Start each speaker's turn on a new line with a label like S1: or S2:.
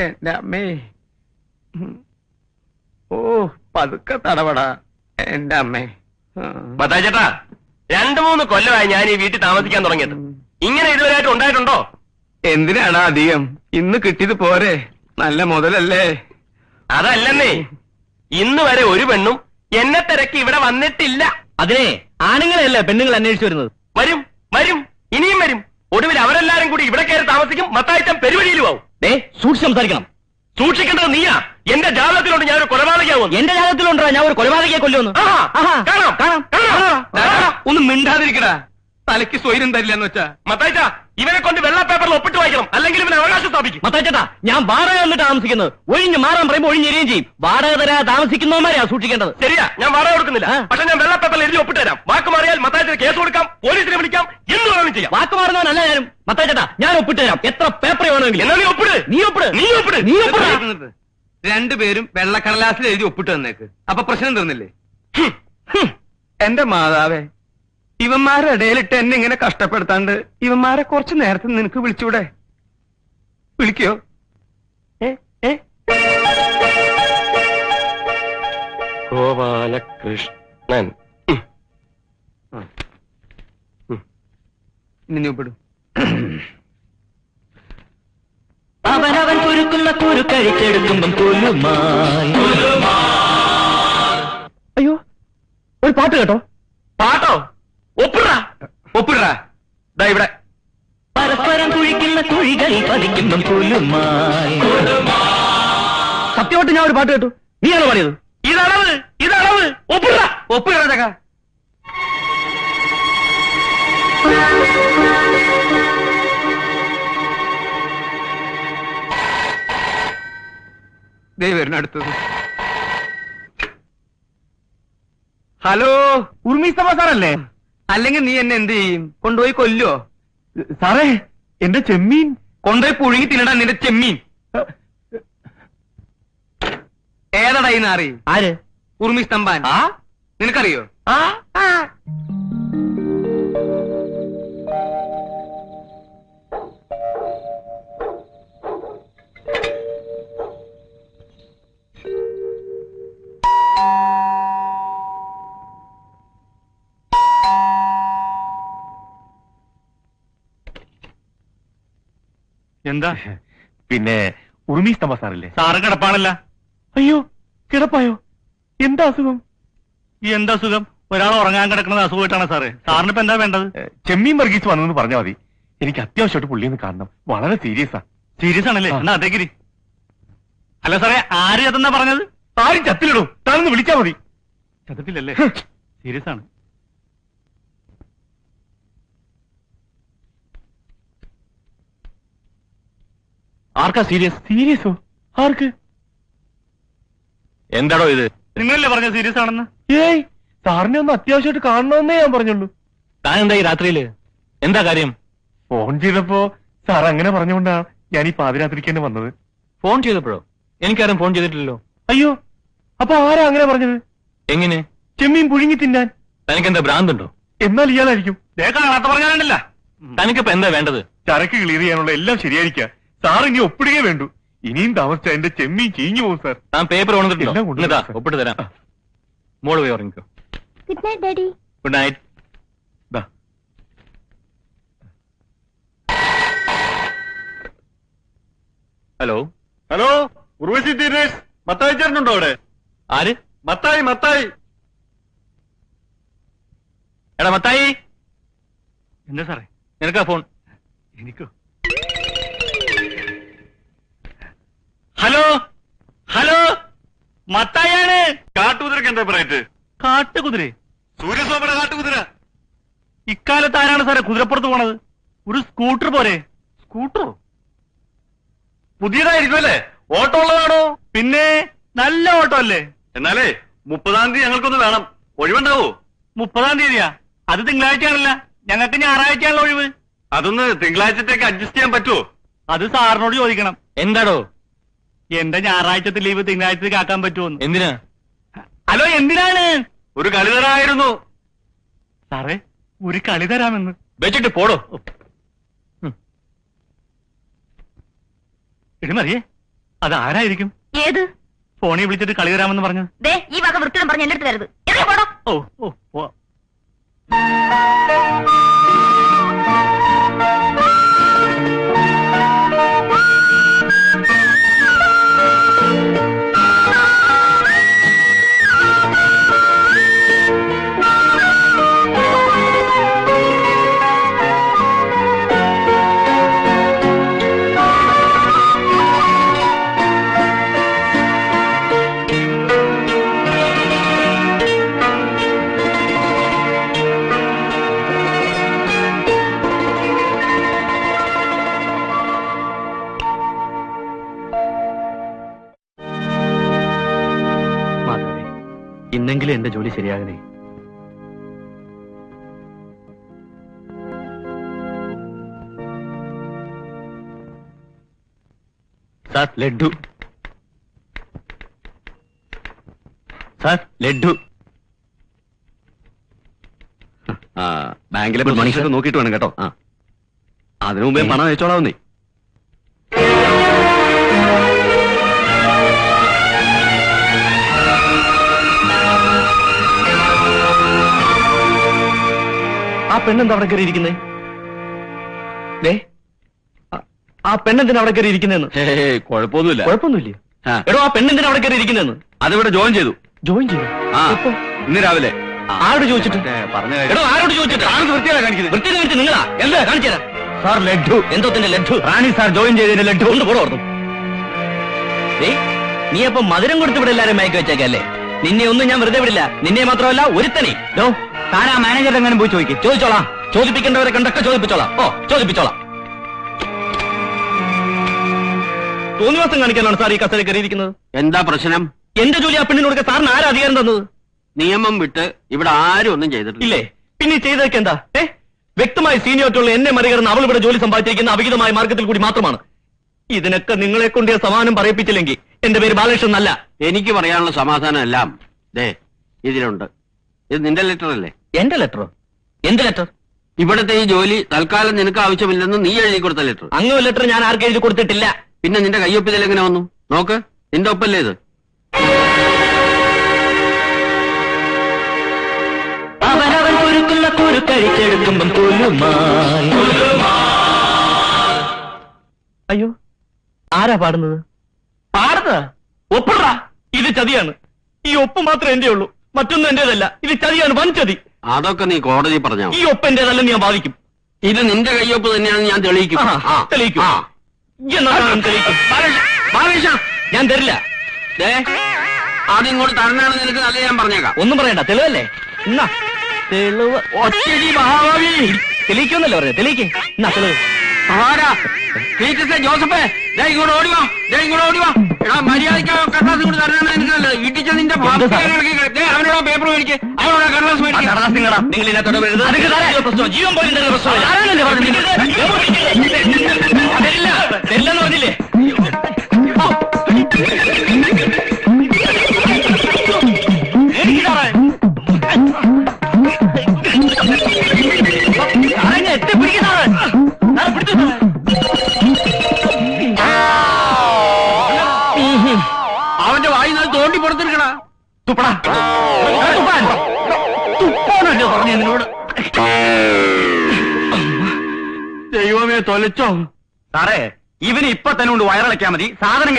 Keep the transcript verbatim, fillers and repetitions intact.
S1: എന്റെ അമ്മേ. ഓ പതുക്കെ തടവടാ എന്റെ അമ്മേ.
S2: മത്തായി ചേട്ടാ, രണ്ടു മൂന്ന് കൊല്ലമായി ഞാൻ ഈ വീട്ടിൽ താമസിക്കാൻ തുടങ്ങിയത്. ഇങ്ങനെ ഇതുവരെയായിട്ട് ഉണ്ടായിട്ടുണ്ടോ?
S1: എന്തിനാണ് അധികം? ഇന്ന് കിട്ടിയത് പോരെ, നല്ല മുതലല്ലേ.
S2: അതല്ലെന്നേ, ഇന്ന് വരെ ഒരു പെണ്ണും എന്നെ തിരക്കി ഇവിടെ വന്നിട്ടില്ല.
S3: അതിനെ ആണുങ്ങളെയല്ലേ പെണ്ണുങ്ങൾ അന്വേഷിച്ചു വരുന്നത്.
S2: വരും വരും, ഇനിയും വരും. ഒടുവിൽ അവരെല്ലാരും കൂടി ഇവിടെ കയറി താമസിക്കും. മത്തായിച്ചൻ പെരുവഴിയിലും ആവും.
S3: ഏ സൂക്ഷിച്ച് സംസാരിക്കണം.
S2: സൂക്ഷിക്കേണ്ടത് നീയാ. എന്റെ ജാതകത്തിലുണ്ട് ഞാൻ ഒരു കൊലപാതകയാവും.
S3: എന്റെ ജാതകത്തിലുണ്ടോ ഞാൻ ഒരു കൊലപാതകയെ കൊല്ലുമെന്ന്?
S2: കാണാം കാണാം കാണാം.
S1: ഒന്ന് മിണ്ടാതിരിക്കടാ, തലയ്ക്ക് സ്വൈര്യം തരില്ലെന്ന് വെച്ചാ.
S2: മത്തായിച്ച, ഇവനെ കൊണ്ട് വെള്ള പേപ്പറിൽ ഒപ്പിട്ട് വായിക്കണം, അല്ലെങ്കിൽ ഇവനെ അവകാശം സ്ഥാപിക്കും.
S3: മത്തായിച്ചേട്ടാ, ഞാൻ വാടക വന്നിട്ട് താമസിക്കുന്നത്. ഒഴിഞ്ഞ് മാറാൻ പറയുമ്പോൾ ഒഴിഞ്ഞെരിയും ചെയ്യും. വാടക തരാ താമസിക്കുന്നവന്മാരെയാ സൂക്ഷിക്കേണ്ടത്.
S2: ശരിയാ, ഞാൻ വാടക കൊടുക്കുന്നില്ല. പക്ഷെ ഞാൻ വെള്ള പേപ്പറിൽ എഴുതി ഒപ്പിട്ട് തരാം. വാക്ക് മാറിയാൽ മത്തായിച്ചിന് കേസ് കൊടുക്കാം, പോലീസിനെ വിളിക്കാം, എന്ത് വേണമെങ്കിലും ചെയ്യാം.
S3: വാക്ക് മാറുന്നവനല്ല ഞാനും. മത്തായിച്ചേട്ടാ, ഞാൻ ഒപ്പിട്ട് തരാം. എത്ര പേപ്പർ വേണമെങ്കിലും.
S2: എന്നാ നീ ഒപ്പിട്.
S3: നീ ഒപ്പിട്.
S2: നീ ഒപ്പിട്.
S3: നീ ഒപ്പിട്.
S1: രണ്ടുപേരും വെള്ളക്കടലാസിൽ എഴുതി ഒപ്പിട്ട് തന്നേക്ക്. അപ്പൊ പ്രശ്നം തീർന്നില്ലേ? എന്റെ മാതാവേ, ഇവന്മാരുടെ ഇടയിലിട്ട് എന്നെ ഇങ്ങനെ കഷ്ടപ്പെടുത്താണ്ട് ഇവന്മാരെ കുറച്ച് നേരത്തെ നിനക്ക് വിളിച്ചൂടെ? വിളിക്കോ? ഏ ഏ
S2: ഗോപാലകൃഷ്ണൻ.
S1: ഇനി ഒപ്പിടും.
S3: അവനവൻ കുരുക്കുന്ന കുരു കഴിച്ചെടുക്കുമ്പം കുലുമായി. അയ്യോ, ഒരു പാട്ട് കേട്ടോ.
S2: പാട്ടോ? ഒപ്പിടാ
S1: ഒപ്പിടാ.
S2: ദാ ഇവിടെ.
S3: പരസ്പരം കുഴിക്കുന്ന കുഴികളിൽ പതിക്കുമ്പം കുലുമായി. സത്യമായിട്ട് ഞാൻ ഒരു പാട്ട് കേട്ടു. നീയാണോ പാടിയത്?
S2: ഇതളവ് ഇതളവ്. ഒപ്പിടാ
S1: ഒപ്പിടാ ചക്ക. ദേ വരുന്ന അടുത്തത്. ഹലോ,
S3: ഉർമിസ്തഫ സാറല്ലേ?
S1: അല്ലെങ്കിൽ നീ എന്നെ എന്ത് ചെയ്യും? കൊണ്ടുപോയി കൊല്ലോ?
S3: സാറേ, എന്റെ ചെമ്മീൻ
S1: കൊണ്ടുപോയി പുഴുങ്ങി തിന്നടാ നിന്റെ ചെമ്മീൻ. ഏതടാ ഈ നാറി?
S3: ആര്?
S1: ഉർമി സ്തംഭാൻ.
S3: ആ
S1: നിനക്കറിയോ?
S3: ആ
S2: എന്താ?
S4: പിന്നെ ഉർമി സ്തംഭ സാറല്ലേ?
S2: സാറ് കിടപ്പാണല്ല.
S4: അയ്യോ, കിടപ്പായോ? എന്താ അസുഖം?
S2: എന്താ സുഖം? ഒരാൾ ഉറങ്ങാൻ കിടക്കുന്നത് അസുഖമായിട്ടാണ് സാറേ. സാറിന് ഇപ്പൊ എന്താ വേണ്ടത്?
S4: ചെമ്മീൻ വർഗീസ് വന്നെന്ന് പറഞ്ഞാൽ മതി. എനിക്ക് അത്യാവശ്യമായിട്ട് പുള്ളിയൊന്ന് കാണണം. വളരെ സീരിയസാ.
S2: സീരിയസ് ആണല്ലേ? എന്നാ അതേക്കിരി. അല്ല സാറേ, ആര് ചത്തെന്നാ പറഞ്ഞത്?
S4: ആരും ചത്തിലിടും. താനൊന്ന് വിളിച്ചാ മതി.
S2: ചത്തിട്ടില്ലല്ലേ? സീരിയസ് ആണ്.
S4: ആർക്കാ സീരിയസ്? സീരിയസോ? ആർക്ക്?
S2: എന്താടോ ഇത്? നിങ്ങളല്ലേ പറഞ്ഞ സീരിയസ് ആണെന്ന്?
S4: ഏയ്, സാറിനെ ഒന്ന് അത്യാവശ്യമായിട്ട് കാണണമെന്നേ ഞാൻ പറഞ്ഞുള്ളൂ.
S2: താൻ എന്താ ഈ രാത്രിയില്? എന്താ കാര്യം?
S4: ഫോൺ ചെയ്തപ്പോ സാർ അങ്ങനെ പറഞ്ഞുകൊണ്ടാണ് ഞാൻ ഈ പാതിരാത്രിക്ക് തന്നെ വന്നത്.
S2: ഫോൺ ചെയ്തപ്പോഴോ? എനിക്കാരും ഫോൺ ചെയ്തിട്ടില്ലല്ലോ.
S4: അയ്യോ, അപ്പൊ ആരാ അങ്ങനെ പറഞ്ഞത്?
S2: എങ്ങനെ?
S4: ചെമ്മീൻ പുഴുങ്ങി തിന്നാൻ.
S2: തനിക്കെന്താ ഭ്രാന്തുണ്ടോ?
S4: എന്നാൽ ഇയാളായിരിക്കും.
S2: കാണാത്ത പറഞ്ഞാലുണ്ടല്ല. തനിക്കിപ്പോ എന്താ വേണ്ടത്?
S4: ചരക്ക് ക്ലിയർ ചെയ്യാനുള്ള എല്ലാം ശരിയായിരിക്കാം. സാർ ഇനി ഒപ്പിടുകയേ വേണ്ടു. ഇനിയും താമസിച്ച എന്റെ ചെമ്മീൻ ചീഞ്ഞു പോകും സാർ.
S2: താൻ പേപ്പർ കൊണ്ടുവന്നിട്ടുണ്ടോ?
S4: എല്ലാം കൊണ്ടുവന്നു,
S2: ഇതാ,
S4: സാർ.
S2: ഒപ്പിട്ട് തരാം. മോള് പോയി ഉറങ്ങിക്കോ.
S5: Good night daddy.
S2: Good night.
S4: ദാ.
S2: ഹലോ
S4: ഹലോ, ഉർവശി തീരേഷ്, മത്തായി ചേട്ടനുണ്ടോ അവിടെ?
S2: ആര്?
S4: മത്തായി മത്തായി
S2: എടാ മത്തായി. എന്താ സാറേ? നിനക്കാ ഫോൺ? എനിക്കോ? ഹലോ ഹലോ, മത്തായാണ്.
S4: കാട്ടുകുതിരക്ക് എന്താ പറയറ്റ്?
S2: കാട്ടുകുതിര?
S4: സൂര്യസോമയുടെ കാട്ടുകുതിര.
S2: ഇക്കാലത്ത് ആരാണ് സാറേ കുതിരപ്പുറത്ത് പോണത്? ഒരു സ്കൂട്ടർ പോരെ?
S4: സ്കൂട്ടറോ? പുതിയതായിരിക്കും അല്ലേ? ഓട്ടോ ഉള്ളതാണോ?
S2: പിന്നെ നല്ല ഓട്ടോ അല്ലേ?
S4: എന്നാലേ മുപ്പതാം തീയതി ഞങ്ങൾക്കൊന്ന് വേണം. ഒഴിവുണ്ടാവോ?
S2: മുപ്പതാം തീയതിയാ? അത് തിങ്കളാഴ്ചയാണല്ല. ഞങ്ങൾക്ക് ഞായറാഴ്ചയാണല്ലോ ഒഴിവ്.
S4: അതൊന്ന് തിങ്കളാഴ്ചത്തേക്ക് അഡ്ജസ്റ്റ് ചെയ്യാൻ പറ്റുമോ?
S2: അത് സാറിനോട് ചോദിക്കണം. എന്താടോ? എന്റെ ഞായറാഴ്ചത്തെ ലീവ് തിങ്കളാഴ്ചത്തേക്ക് ആക്കാൻ പറ്റുമോ? എന്തിനാ? ഹലോ, എന്തിനാണ്?
S4: ഒരു കളി തരായിരുന്നു
S2: സാറേ. ഒരു കളി തരാമെന്ന് വെച്ചിട്ട് പോടോ. എടി മറിയേ, അതാരായിരിക്കും?
S5: ഏത്?
S2: ഫോണിൽ വിളിച്ചിട്ട് കളി തരാമെന്ന് പറഞ്ഞു.
S5: ദേ ഈ വക വൃത്തിയും പറഞ്ഞ് എന്റെ അടുത്ത് തരുത്. എറിയ പോടോ.
S2: ഓ ഓ ഓ
S3: ഇന്നെങ്കിലും എന്റെ ജോലി ശരിയാകണേ. സാർ ലഡ്ഡു. സാർ ലഡ്ഡു.
S1: ആ ബാങ്കിലെ മനുഷ്യർക്ക് നോക്കിയിട്ട് വേണം കേട്ടോ. ആ അതിനു മുമ്പേ പണം അയച്ചോളാവുന്നേ.
S3: ആ പെണ്ണെന്താ അവിടെ കയറി ഇരിക്കുന്നേ? ആ പെണ്ണെന്തിനാ അവിടെ കയറി ഇരിക്കുന്നതെന്ന്?
S1: കുഴപ്പമൊന്നുമില്ല.
S3: കുഴപ്പമൊന്നുമില്ല.
S1: ആ.
S3: എടോ ആ പെണ്ണെന്തിനാ അവിടെ കയറി ഇരിക്കുന്നതെന്ന്?
S1: അതിവിടെ ജോയിൻ ചെയ്തു.
S3: ജോയിൻ ചെയ്തു?
S1: ആ
S3: എപ്പോ?
S1: ഇന്ന് രാവിലെ.
S3: ആരോട് ചോദിച്ചിട്ട്?
S1: പറഞ്ഞ
S3: എടോ ആരോട് ചോദിച്ചിട്ട്?
S1: വൃത്തിയാണ് കാണിക്കുന്നത്.
S3: വൃത്തി കാണിച്ച് നിങ്ങളാ? എന്താ കാണിച്ചു തരാം. സാർ ലഡ്ഡു. എന്തോത്തിന്റെ ലഡ്ഡു? റാണി സാർ ജോയിൻ ചെയ്തതിന്റെ ലഡ്ഡു കൊണ്ട് പോടോ ഓർന്നു. നീ അപ്പൊ മധുരം കൊടുത്ത് ഇവിടെ എല്ലാരും മയക്കി വെച്ചേക്കല്ലേ? നിന്നെ ഒന്നും ഞാൻ വെറുതെ വിടില്ല. നിന്നെ മാത്രമല്ല ഒരുത്തനെ. ഡോ താൻ ആ മാനേജർ എങ്ങനെ പോയി ചോദിക്കും? ചോദിച്ചോളാം. ചോദിപ്പിക്കേണ്ടവരെ കണ്ടൊക്കെ ചോദിപ്പിച്ചോളാം. ഓ ചോദിപ്പിച്ചോളാം. തോന്നിവാസം കാണിക്കാനാണ് സാർ ഈ കസേര കയറിയിരിക്കുന്നത്.
S1: എന്താ പ്രശ്നം?
S3: എന്റെ ജോലി ആ പെണ്ണിന് കൊടുക്കാൻ സാറിന് ആരാ അധികാരം തന്നത്?
S1: നിയമം വിട്ട് ഇവിടെ ആരും ഒന്നും ചെയ്തിട്ടില്ല.
S3: ഇല്ലേ? പിന്നെ ചെയ്തതൊക്കെ എന്താ? ഏ വ്യക്തമായി സീനിയോറിറ്റുള്ള എന്നെ മറികടന്ന് അവൾ ഇവിടെ ജോലി സമ്പാദിച്ചിരിക്കുന്ന അവിഹിതമായ മാർഗത്തിൽ കൂടി മാത്രമാണ്. ഇതിനൊക്കെ നിങ്ങളെ കൊണ്ട് ഞാൻ സമാധാനം പറയിപ്പിച്ചില്ലെങ്കിൽ എന്റെ പേര് ബാലകൃഷ്ണൻ അല്ല.
S1: എനിക്ക് പറയാനുള്ള സമാധാനം എല്ലാം ദേ ഇതിലുണ്ട്. ഇത് നിന്റെ ലെറ്റർ അല്ലേ?
S3: എന്റെ ലെറ്ററോ? എന്ത് ലെറ്റർ?
S1: ഇവിടത്തെ ഈ ജോലി തൽക്കാലം നിനക്ക് ആവശ്യമില്ലെന്ന് നീ എഴുതി കൊടുത്ത ലെറ്റർ.
S3: അങ്ങനെ ലെറ്റർ ഞാൻ ആർക്കും എഴുതി കൊടുത്തിട്ടില്ല.
S1: പിന്നെ നിന്റെ കയ്യൊപ്പിൽ എങ്ങനെ വന്നു? നോക്ക്, നിന്റെ ഒപ്പല്ലേ ഇത്?
S3: അവനവൻ കുരുക്കുന്ന കുരുക്കഴിച്ചെടുക്കുമ്പം അയ്യോ ആരാ പാടുന്നത്? പാടുന്നത് ഒപ്പിട. ഇത് ചതിയാണ്. ഈ ഒപ്പ് മാത്രമേ എന്റെ ഉള്ളൂ, മറ്റൊന്നും എന്റേതല്ല. ഇത് ചതിയാണ്, വൻ ചതി.
S1: അതൊക്കെ നീ കോടതി പറഞ്ഞാ.
S3: ഈ ഒപ്പ് എന്റേതല്ലെന്ന് ഞാൻ വാദിക്കും.
S1: ഇത് നിന്റെ കയ്യൊപ്പ് തന്നെയാണെന്ന് ഞാൻ തെളിയിക്കും.
S3: തെളിയിക്കും. തെളിയിക്കും. ഞാൻ തരില്ല.
S1: അതിങ്ങോട്ട് തരണാണെന്ന് നിനക്ക് നല്ല ഞാൻ പറഞ്ഞേക്കാം.
S3: ഒന്നും പറയണ്ട, തെളിവല്ലേ? എന്നാ തെളിവ് ഒറ്റടി മഹാഭാവി തെളിയിക്കുമെന്നല്ലേ പറഞ്ഞത്? തെളിയിക്കേ. എന്നാ തെളിവ്.
S1: ആരാ? പീറ്റർസേ, ജോസഫേ, ദേ ഇങ്ങോട്ട് ഓടിവാ. ദേ ഇങ്ങോട്ട് ഓടിവാ. എടാ മര്യാദയ്ക്ക് കടലാസ് കൊണ്ട് തരണാണ് എനിക്ക് നല്ലത്. ഇടിച്ച നിന്റെ അവനോടാ പേപ്പർ മേടിക്ക്, അവനോടാ കടലാസ് മേടിക്ക്.
S3: നിങ്ങൾ ഇതിനകത്തോടെ ജീവൻ പോലും തരുന്ന പ്രശ്നമില്ല. തെല്ലെന്ന് പറഞ്ഞില്ലേ?
S1: അവന്റെ വായി നിന്ന് തോണ്ടി പുറത്തെടുക്കണ.
S3: തുപ്പടാ തുപ്പാനല്ലോ പറഞ്ഞു എന്നോട്.
S1: ദൈവമേ തൊലച്ചോ.
S3: സാറേ ഇവന് ഇപ്പൊ തന്നെ കൊണ്ട് വയറിളക്കാൻ മതി. സാധനം